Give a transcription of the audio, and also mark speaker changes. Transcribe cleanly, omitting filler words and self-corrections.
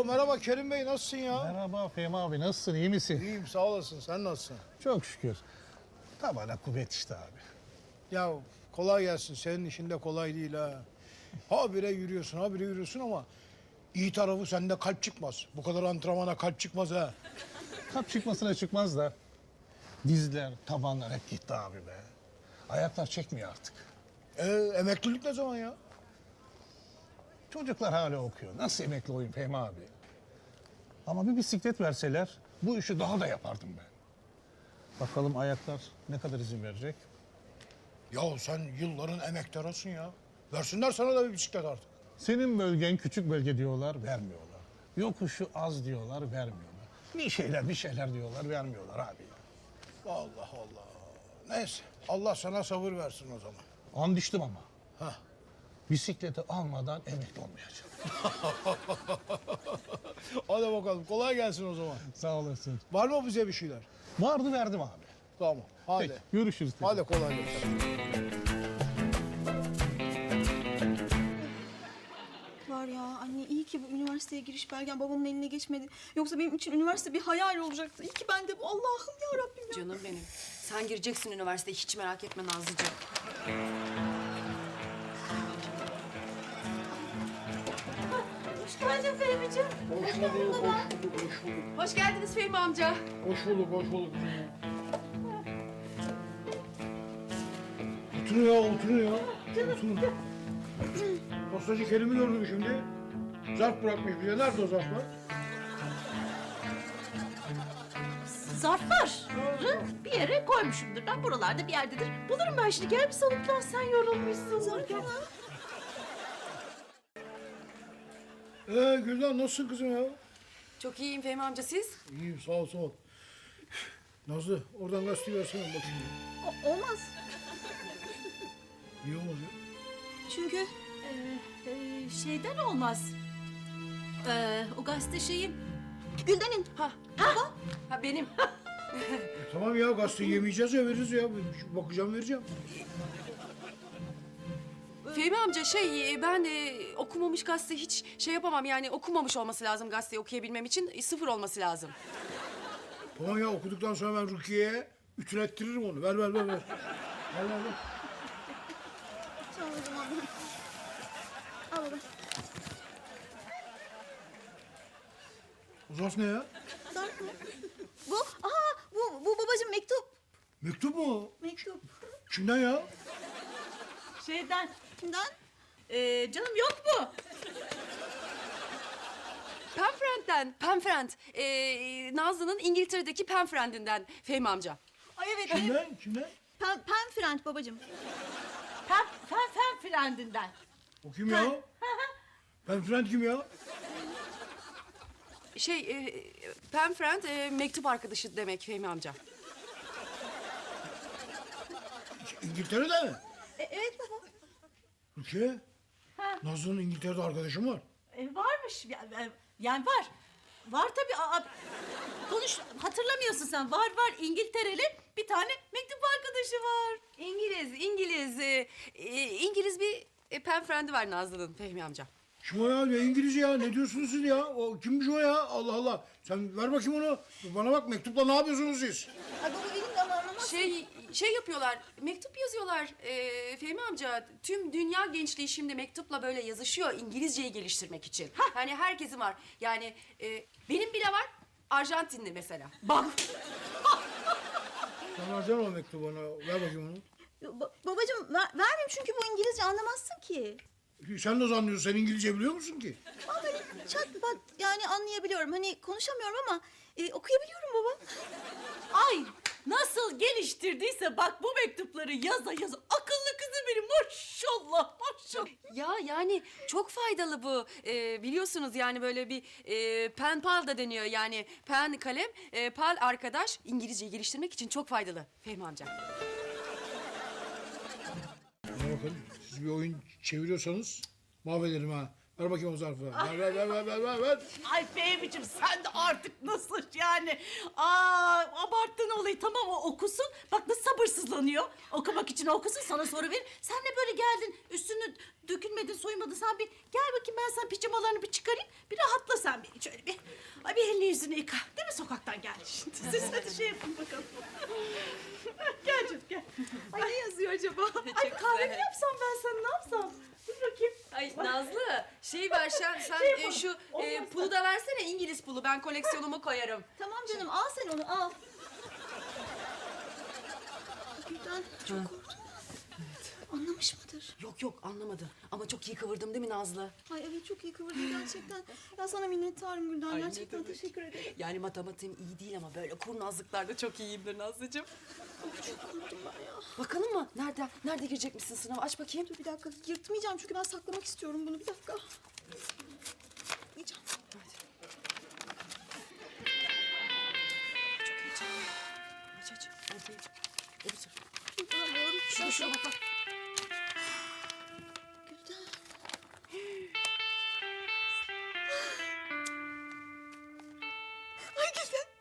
Speaker 1: Oo, merhaba Kerim Bey, nasılsın ya?
Speaker 2: Merhaba Fehmi abi, nasılsın, iyi misin?
Speaker 1: İyiyim, sağ olasın. Sen nasılsın?
Speaker 2: Çok şükür. Tabana kuvvet işte abi.
Speaker 1: Ya kolay gelsin. Senin işin de kolay değil ha. Habire yürüyorsun, habire yürüyorsun ama iyi tarafı sende kalp çıkmaz. Bu kadar antrenmana kalp çıkmaz ha.
Speaker 2: Kalp çıkmasına çıkmaz da dizler, tabanlar hep gitti abi be. Ayaklar çekmiyor artık.
Speaker 1: Emeklilik ne zaman ya?
Speaker 2: Çocuklar hala okuyor. Nasıl emekli olayım Fehmi abi? Ama bir bisiklet verseler bu işi daha da yapardım ben. Bakalım ayaklar ne kadar izin verecek?
Speaker 1: Ya sen yılların emektarısın ya. Versinler sana da bir bisiklet artık.
Speaker 2: Senin bölgen küçük bölge diyorlar, vermiyorlar. Yokuşu az diyorlar, vermiyorlar. Bir şeyler diyorlar, vermiyorlar abi ya.
Speaker 1: Allah Allah. Neyse, Allah sana sabır versin o zaman.
Speaker 2: And içtim ama.
Speaker 1: Hah.
Speaker 2: Bisikleti almadan emekli olmayacağım.
Speaker 1: Hadi bakalım, kolay gelsin o zaman.
Speaker 2: Sağ olasın.
Speaker 1: Var mı bize bir şeyler?
Speaker 2: Vardı verdim abi.
Speaker 1: Tamam, hadi.
Speaker 2: Peki, görüşürüz. tekrar.
Speaker 1: Hadi kolay gelsin.
Speaker 3: Var ya anne, iyi ki bu üniversiteye giriş belgem babamın eline geçmedi. Yoksa benim için üniversite bir hayal olacaktı. İyi ki ben de bu, Allah'ım ya Rabbim ya.
Speaker 4: Canım benim. Sen gireceksin üniversiteye, hiç merak etme Nazlıcığım.
Speaker 3: Hoş geldin Fehmi'ciğim.
Speaker 1: Hoş bulduk, hoş bulduk, hoş bulduk.
Speaker 4: Hoş geldiniz Fehmi amca.
Speaker 1: Hoş bulduk, hoş bulduk. Oturun ya, oturun ya. Oturun. Postacı Kerim'i gördüm şimdi. Zarf bırakmış bize. Nerede o zarflar?
Speaker 5: Zarfları bir yere koymuşumdur. Ben buralarda bir yerdedir. Bulurum ben şimdi. Gel bir soluklan, sen yorulmuşsun. Zarflar.
Speaker 1: Gülden nasılsın kızım ya?
Speaker 4: Çok iyiyim Fehmi amca, siz?
Speaker 1: İyiyim, sağ ol, sağ ol. Nazlı, oradan gazeteyi versene bakayım.
Speaker 3: Olmaz.
Speaker 1: Niye olmaz ya?
Speaker 3: Çünkü
Speaker 5: Şeyden olmaz. O gazete şeyin.
Speaker 3: Gülden'in.
Speaker 4: Ha benim.
Speaker 1: Tamam ya, gazeteyi yemeyeceğiz ya, veririz ya. Bakacağım, vereceğim.
Speaker 4: Fehmi amca ben okumamış gazete hiç şey yapamam, yani okumamış olması lazım gazeteyi okuyabilmem için, sıfır olması lazım.
Speaker 1: Tamam ya, okuduktan sonra ben Rukiye'ye ütülettiririm onu. Ver. Ver. Ver.
Speaker 3: Tamam o zaman. Al baba.
Speaker 1: O zarf ne ya?
Speaker 3: Zarf mı? Bu babacığım mektup.
Speaker 1: Mektup mu o?
Speaker 3: Mektup.
Speaker 1: Kimden ya?
Speaker 5: Şeyden.
Speaker 3: Kimden?
Speaker 5: Canım yok mu?
Speaker 4: Penfriend. Nazlı'nın İngiltere'deki Penfriend'inden Fehmi amca.
Speaker 3: Ay evet.
Speaker 1: Kimden?
Speaker 3: Penfriend babacığım.
Speaker 5: Fen filandinden.
Speaker 1: O kim ya? Penfriend kim ya?
Speaker 4: Penfriend mektup arkadaşı demek Fehmi amca.
Speaker 1: İngiltere'de mi?
Speaker 3: Evet baba.
Speaker 1: Rukiye. Nazlı'nın İngiltere'de arkadaşım var.
Speaker 5: Varmış. Yani var. Var tabii. Konuş, hatırlamıyorsun sen. Var İngiltereli bir tane mektup arkadaşı var.
Speaker 4: İngiliz bir Penfriend'i var Nazlı'nın Fehmi amca.
Speaker 1: Kim o ya? Ne İngilizce ya? Ne diyorsunuz siz ya? O kimmiş o ya? Allah Allah. Sen ver bakayım onu. Bana bak, mektupla ne yapıyorsunuz siz?
Speaker 3: Ay baba benim de ama anlamaz.
Speaker 4: Şey yapıyorlar, mektup yazıyorlar Fehmi amca. Tüm dünya gençliği şimdi mektupla böyle yazışıyor İngilizceyi geliştirmek için. Hani herkesin var. Yani benim bile var, Arjantinli mesela.
Speaker 5: Bak.
Speaker 1: Sen versene o mektubu bana. Ver bakayım onu.
Speaker 3: Babacığım vermeyeyim çünkü bu İngilizce anlamazsın ki.
Speaker 1: Sen nasıl anlıyorsun? Sen İngilizce biliyor musun ki?
Speaker 3: Ama böyle çat pat yani anlayabiliyorum. Hani konuşamıyorum ama okuyabiliyorum baba.
Speaker 5: Ay nasıl geliştirdiyse bak bu mektupları yaza akıllı kızı benim, maşallah.
Speaker 4: Ya yani çok faydalı bu. Biliyorsunuz yani böyle bir pen pal da deniyor. Yani pen kalem, pal arkadaş. İngilizceyi geliştirmek için çok faydalı Fehmi amca.
Speaker 1: Bana bakın, siz bir oyun çeviriyorsanız mahvederim ha. Ver bakayım o zarfı. Ver.
Speaker 5: Ay Fehmi'cim sen de artık nasıl yani? Abarttın olayı, tamam o okusun. Bak nasıl sabırsızlanıyor. Okumak için okusun, sana soru verir. Sen de böyle geldin, üstünü dökülmedin, soymadın. Sen bir gel bakayım, ben sana pijamalarını bir çıkarayım. Bir rahatla sen bir, şöyle bir. Ay bir elini yüzünü yıka. Değil mi, sokaktan geldin şimdi. Siz hadi şey yapın bakalım. Gel canım gel.
Speaker 3: Ay ne yazıyor acaba?
Speaker 5: Ay kahve mi yapsam ben sana, ne yapsam? Dur bakayım.
Speaker 4: Ay Nazlı şey ver sen şu pulu da versene, İngiliz pulu, ben koleksiyonuma koyarım.
Speaker 3: Tamam canım al sen onu al. Gülden çok korktum. Anlamış mıdır?
Speaker 4: Yok anlamadı ama çok iyi kıvırdım değil mi Nazlı?
Speaker 3: Ay evet çok iyi kıvırdın gerçekten. Ya sana minnettarım Gülden.
Speaker 4: Ay, ne
Speaker 3: Gerçekten
Speaker 4: demek.
Speaker 3: teşekkür ederim.
Speaker 4: Yani matematiğim iyi değil ama böyle kurnazlıklarda çok iyiyimdir Nazlıcığım.
Speaker 3: Of çok korktum ben ya.
Speaker 4: Bakalım mı? Nerede girecek misin sınava? Aç bakayım.
Speaker 3: Dur bir dakika yırtmayacağım çünkü ben saklamak istiyorum bunu. Bir dakika. Yiyeceğim.
Speaker 4: Aç. Öbür taraf.
Speaker 3: Bulamıyorum.
Speaker 4: Şuna bak.
Speaker 3: Gülden. Ay Gülden.